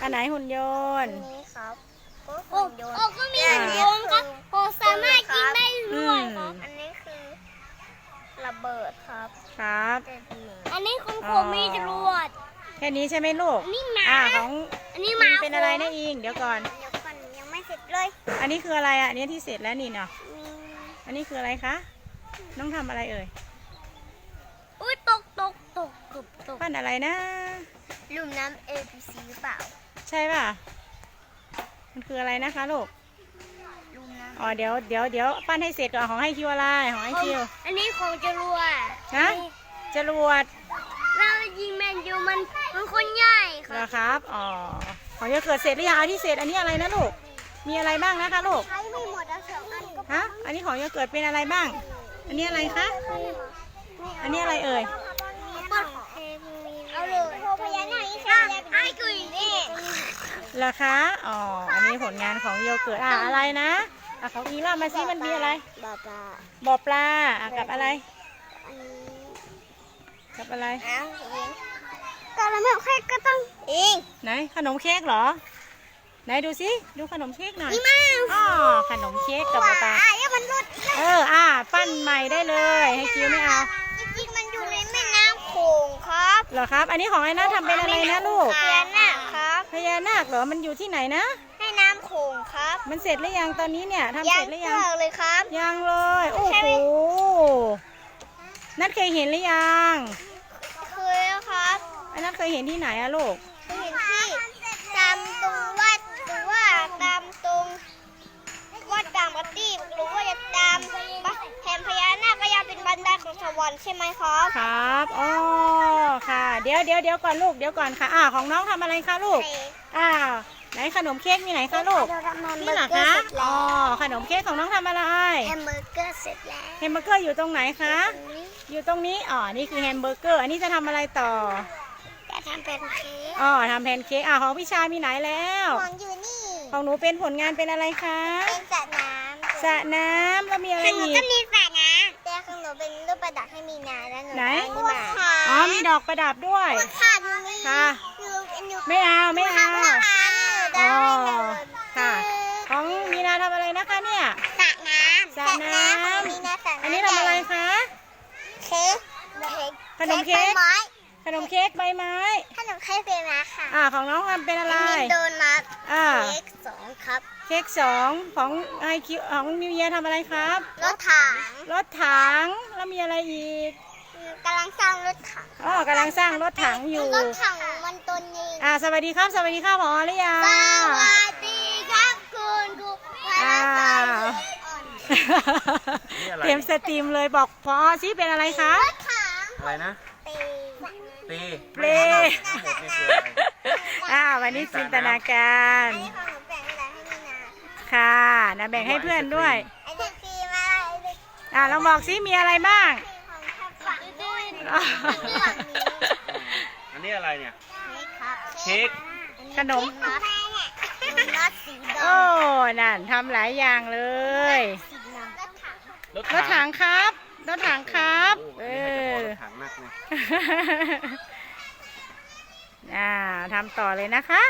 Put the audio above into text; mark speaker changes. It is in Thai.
Speaker 1: อันไหนหุ่นยนต์
Speaker 2: นี้ครับ
Speaker 3: โอ้ก็มีหุ่นยนต์ครับโอ้สามารถยิงได้ด้วยครับ
Speaker 2: อันนี้คือระเบิดครับ
Speaker 1: ครับ
Speaker 3: อันนี้คุณครูมีจรวด
Speaker 1: แค่นี้ใช่ไหมลูก
Speaker 3: อันนี้หมา
Speaker 1: ของ
Speaker 3: อันนี้หมา
Speaker 1: เป็นอะไรนะอิงเดี๋ยวก่อน
Speaker 2: เดี๋ยวก่อนยังไม่เสร็จเลย
Speaker 1: อันนี้คืออะไรอ่ะอันนี้ที่เสร็จแล้วนี่เนาะ
Speaker 2: มี
Speaker 1: อันนี้คืออะไรคะน้องทำอะไรเอ่ย
Speaker 3: อุ้ยตก
Speaker 1: ปั้นอะไรนะ
Speaker 2: ลุ่มน้ำ ABC หรือเปล่า
Speaker 1: ใช่ป่ะมันคืออะไรนะคะลูก
Speaker 2: ลุ่มน้
Speaker 1: อ๋อเดี๋ยวปั้นให้เสร็จก่อนของให้คิวอะไรของให้คิว
Speaker 3: อันนี้ของจรวด
Speaker 1: นะจรวด
Speaker 3: เรายิงแมนยูมันคนใหญ่ค
Speaker 1: เหร
Speaker 3: รั
Speaker 1: อบ ครับอ๋อของจะเกิดเสร็จหรือยังเอาที่เสร็จอันนี้อะไรนะลูกมีอะไรบ้างนะคะลูก
Speaker 2: ำใช้ไม่หมดแล้วสองอันก็
Speaker 1: ฮะอันนี้ของจะเกิดเป็นอะไรบ้าง อันนี้อะไรคะอันนี้อะไรเอ่ย
Speaker 2: เปิดเอาเลยโพพญานาคนี่ใช่ไหมไอ้กุยนี่
Speaker 1: เหรอคะอ๋ออันนี้ผลงานของโยเกิร์ตอะไรนะของอีเล่ามาซิมันมีอะไร
Speaker 2: บาบา
Speaker 1: บ่อปลากับอะไร
Speaker 2: อันนี้
Speaker 1: กับอะไร
Speaker 2: อ้าวเองกาละแม่แค่ก็ต้องเอง
Speaker 1: ไหนขนมเค้กเหรอไหนดูสิดูขนมเค้กหน่อย
Speaker 2: นี่มา
Speaker 1: อ๋อขนมเค้กกับบ่อปลา
Speaker 2: อย่ามันรุด
Speaker 1: ปั้นใหม่ได้เลย ให้คิวไม่เอา
Speaker 2: จริงๆมันอยู่ในแม่น้ำโขงครับ
Speaker 1: เหรอครับ อันนี้ของไอ้นะทำเป็นอะไรนะลูก
Speaker 2: พญานาคครับ
Speaker 1: พญานาคเหรอ มันอยู่ที่ไหนนะ
Speaker 2: แม่น้ำโขงครับ
Speaker 1: มันเสร็จหรือยังตอนนี้เนี่ยทำเสร็จหรือยัง
Speaker 2: เลยครับ
Speaker 1: ยังเลย โอ้โห นัดเคยเห็นหรือยัง
Speaker 2: เคยแล้วครับ
Speaker 1: อันนัดเคยเห็นที่ไหนอะลูก
Speaker 2: เคยเห็นที่ตามตรงวัดหรือว่าตามตรงวัดตามวัดที่หรือว่าจะตามแผ่นพญานาคก็ยังเป็นบันไดของสวรรค์ใช่ไหมครับ
Speaker 1: ครับ อ๋อ ค่ะ เดี๋ยวก่อนลูก เดี๋ยวก่อนค่ะ ของน้องทำอะไรคะลูก ไหนขนมเค้กมีไหนคะลูก นี่เหรอคะ อ๋อ ขนมเค้กของน้องทำอะไร
Speaker 2: แฮมเบอร์เกอร์เสร็จแล้ว
Speaker 1: แฮมเบอร์เกอร์อยู่ตรงไหนคะ อยู่ตรงนี้ อ๋อ นี่คือแฮมเบอร์เกอร์ อันนี้จะทำอะไรต่อ
Speaker 2: จะทำเป็นเค้ก
Speaker 1: อ๋อทำแพนเค้กของพี่ชายมีไหนแล้ว
Speaker 2: ของอยู่นี่
Speaker 1: ของหนูเป็นผลงานเป็นอะไรคะ
Speaker 2: เป็นสระน้ำ
Speaker 1: สระน้ำแล้วมีอะไร
Speaker 2: ของหนู
Speaker 1: อีก
Speaker 2: ก็มีสระน้ำแต่ของหนูเป็นรูปประดับให้มีนาแล้วหนู
Speaker 1: ไหน
Speaker 2: เอามา
Speaker 1: อ๋อมีดอกประดับด้วย
Speaker 2: ค่ะดูนี่
Speaker 1: ค่ะ
Speaker 2: อยู่
Speaker 1: ไม่เอาไม่เอา
Speaker 2: อ๋อ
Speaker 1: ค่ะ ของมีนาทำอะไรนะคะเนี่ย
Speaker 2: สระน้ำ
Speaker 1: สระน้ำ
Speaker 2: มีนาสระน้ำ
Speaker 1: อันนี้ทำอะไรคะ
Speaker 2: เค้ก
Speaker 1: ขนมเค้ก
Speaker 2: ใบไม้
Speaker 1: ขนมเค้กใบไม้
Speaker 2: ขนมเค้กใบไม้ค่ะ
Speaker 1: ของน้องทำเป็นอะไร
Speaker 2: มีโดนัท
Speaker 1: อ่า
Speaker 2: เค้กสองครับ
Speaker 1: เค้ก2ของไอคิวของมิวเยียทำอะไรครับ
Speaker 2: รถถัง
Speaker 1: รถถังแล้วมีอะไรอีก
Speaker 2: กำลังสร้างรถถัง
Speaker 1: กำลังสร้างรถถังอยู่
Speaker 2: รถถังมันตัวนี้
Speaker 1: สวัสดีครับสวัสดีครับผอหรือยัง
Speaker 2: สวัสดีครับคุณครู
Speaker 1: อ้าวเต็มสตรีมเลยบอกพอซิเป็นอะไรคะ
Speaker 2: รถถัง
Speaker 4: อะไรนะ
Speaker 2: ตี
Speaker 4: ตี
Speaker 1: เปล
Speaker 4: ทั้งหมดนี่คืออะไร
Speaker 1: วันนี้จินตนาการ
Speaker 2: อันนี้ของหนูแบ่งให้แล้วให้มีนา
Speaker 1: ค่ะนะแบ่งให้เพื่อนด้วย
Speaker 2: ไอเด็กฟีมาไอเด็ก
Speaker 1: ลองบอกซิมีอะไรบ้าง
Speaker 2: ของทับฝังด้วย
Speaker 4: อันนี้อะไรเนี่ย
Speaker 2: นี่ครับ
Speaker 4: เค้ก
Speaker 1: ขนม
Speaker 2: ครับดูน็อตสีด
Speaker 1: โอ้ นั่นทำหลายอย่างเลย
Speaker 2: ำสีดำรถถัง
Speaker 1: รถถังครับ รถถังครับ
Speaker 4: โอ้นี่น่าจะพอรถถังมากเลย
Speaker 1: ทำต่อเลยนะคะ